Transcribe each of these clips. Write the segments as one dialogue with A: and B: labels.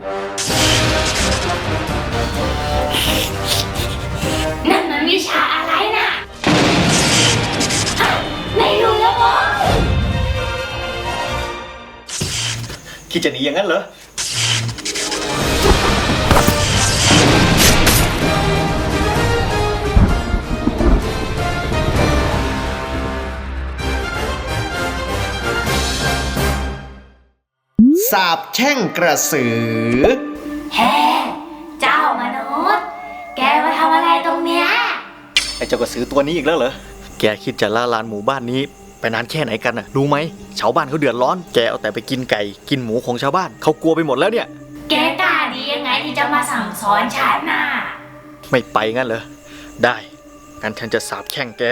A: นั่นมันวิชาอะไรน่ะไม่รู้แล้วมั้ง
B: คิดจะหนีอย่างนั้นเหรอสาบแช่งกระสือ
A: แฮ่เจ้ามนุษย์แกมาทำอะไรตรงเนี้ย
B: ไอ้เจ้ากระสือตัวนี้อีกแล้วเหรอแกคิดจะล่าลานหมู่บ้านนี้ไปนานแค่ไหนกันน่ะรู้ไหมชาวบ้านเขาเดือดร้อนแกเอาแต่ไปกินไก่กินหมูของชาวบ้านเขากลัวไปหมดแล้วเนี่ย
A: แกกล้าดียังไงที่จะมาสั่งสอนฉันน่ะ
B: ไม่ไปงั้นเหรอได้งั้นฉันจะสาบแช่งแก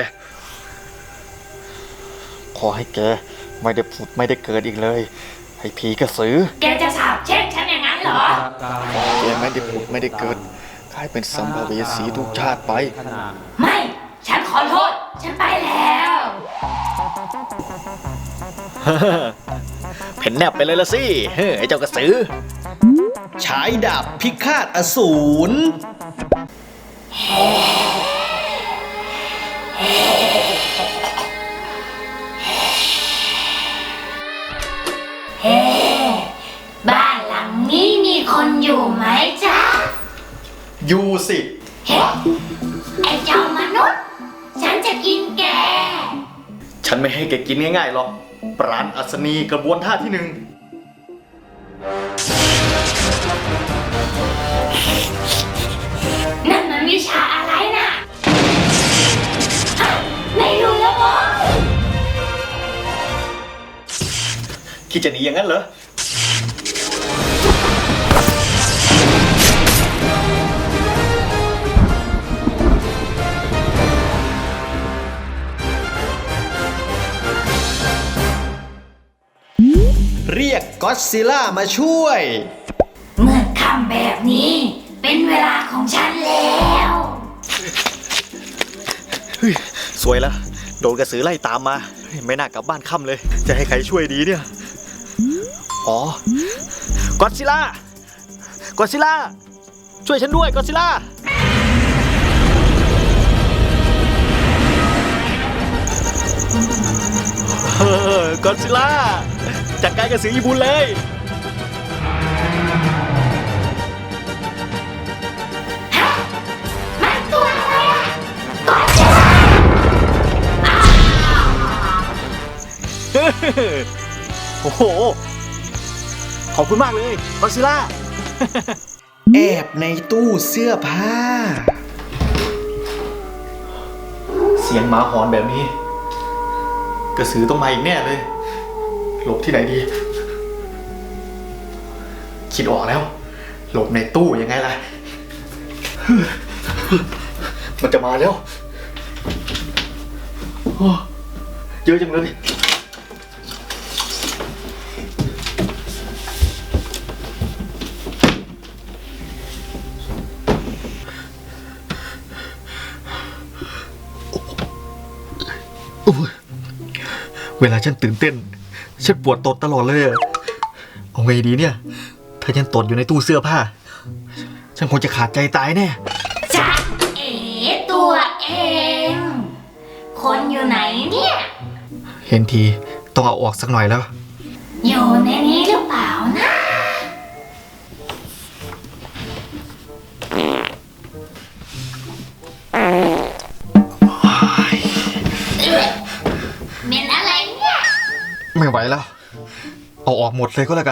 B: ขอให้แกไม่ได้ผุดไม่ได้เกิดอีกเลยไอ้ผีกระสือ
A: แกจะสาบแช่งฉันอย่างนั้นเหรอ
B: แกไม่ได้ผุดไม่ได้เกิดกลายเป็นสัมภเวสีทุกชาติไป
A: ไม่ฉันขอโทษฉันไปแล้ว
B: เพ่นแนบไปเลยละสิไอ้เจ้ากระสือฉายดาบพิฆาตอสูร
A: บ้านหลังนี้มีคนอยู่ไหมจ๊ะ
B: อยู่สิ
A: ไอ้เจ้ามนุษย์ฉันจะกินแก
B: ฉันไม่ให้แกกินง่ายๆหรอกปราณอัศนีกระบวนท่าที่หนึ่ง
A: นั่นมันวิชาอะไรน่ะไม่รู้แล้วมั้ง
B: คิดจะหนีอย่างนั้นเหรอเรียกก็อดซิลล่ามาช่วย
A: เมื่อคำแบบนี้เป็นเวลาของฉันแล้ว
B: สวยแล้วโดนกระสือไล่ตามมาไม่น่ากลับบ้านค่ำเลยจะให้ใครช่วยดีเนี่ยอ๋อก็อดซิลล่าก็อดซิลล่าช่วยฉันด้วยก็อดซิลล่าก็อดซิลล่าจัดการกระสือญี่ปุ่นเลย
A: มันตัวอะไรอ่ะก็อดซิลล่า
B: โอ้โหขอบคุณมากเลยก็อดซิลล่าแอบในตู้เสื้อผ้าเสียงหมาหอนแบบนี้กระสือต้องมาอีกแน่เลยหลบที่ไหนดีคิดออกแล้วหลบในตู้ยังไงล่ะมันจะมาแล้วเยอะจังเลยเวลาฉันตื่นเต้นฉันปวดตดตลอดเลยเอาไงดีเนี่ยถ้าฉันตดอยู่ในตู้เสื้อผ้าฉันคงจะขาดใจตายแน่
A: จ๊ะเอ๋ตัวเอง คนอยู่ไหนเนี่ย
B: เห็นทีต้องเอาออกสักหน่อยแล้ว
A: อยู่ในนี้หรือเปล่านะเป็นอะไรเนี่ย
B: ไม่ไหวแล้วเอาออกหมดเลยก็แล้วกัน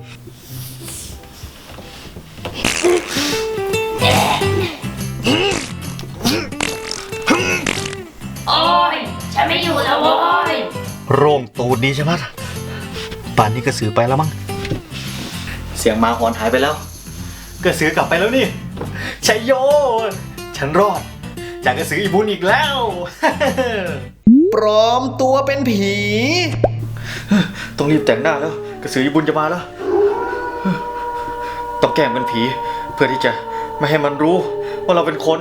A: โอ้ยฉันไม่อยู่แล้วโว้ย
B: โร่งตูดดีใช่ไหมป่านนี้กระสือไปแล้วมั้งเสียงหมาหอนหายไปแล้วกระสือกลับไปแล้วนี่ชัยโยฉันรอดจากกระสืออีบุญอีกแล้วปลอมตัวเป็นผีต้องรีบแต่งหน้าแล้วกระสืออีบุญจะมาแล้วต้องแกล้งเป็นผีเพื่อที่จะไม่ให้มันรู้ว่าเราเป็นคน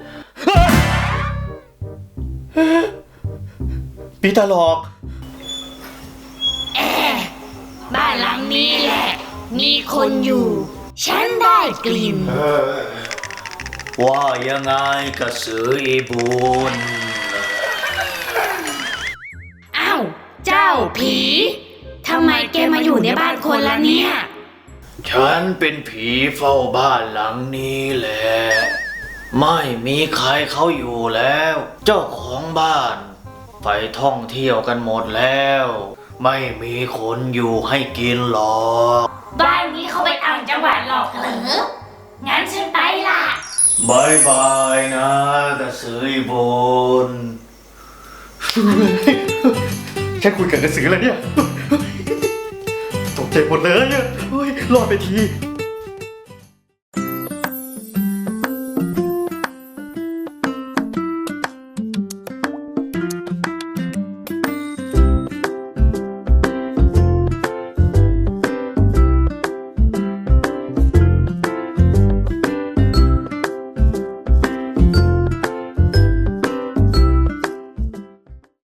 B: ผีตาหลอก
A: บ้านหลังนี้แหละมีคนอยู่ฉันได้กลิ่น
B: ว่ายังไงกระสืออีบุญ
A: อ้าว เจ้าผีทำไมแกมาอยู่ในบ้านคนละเนี่ย
B: ฉันเป็นผีเฝ้าบ้านหลังนี้แหละ ไม่มีใครเขาอยู่แล้ว เจ้าของบ้านไปท่องเที่ยวกันหมดแล้ว ไม่มีคนอยู่ให้กินหรอก
A: บ้านนี้เขาไปต่างจังหวัดหรอกเหรอ งั้นฉันไปละ
B: บายบายนะกระสืออีบุญ ฉันคุยกับกระสือแล้วเนี่ย ตกใจหมดเลยอะเฮ้ยรอดไปที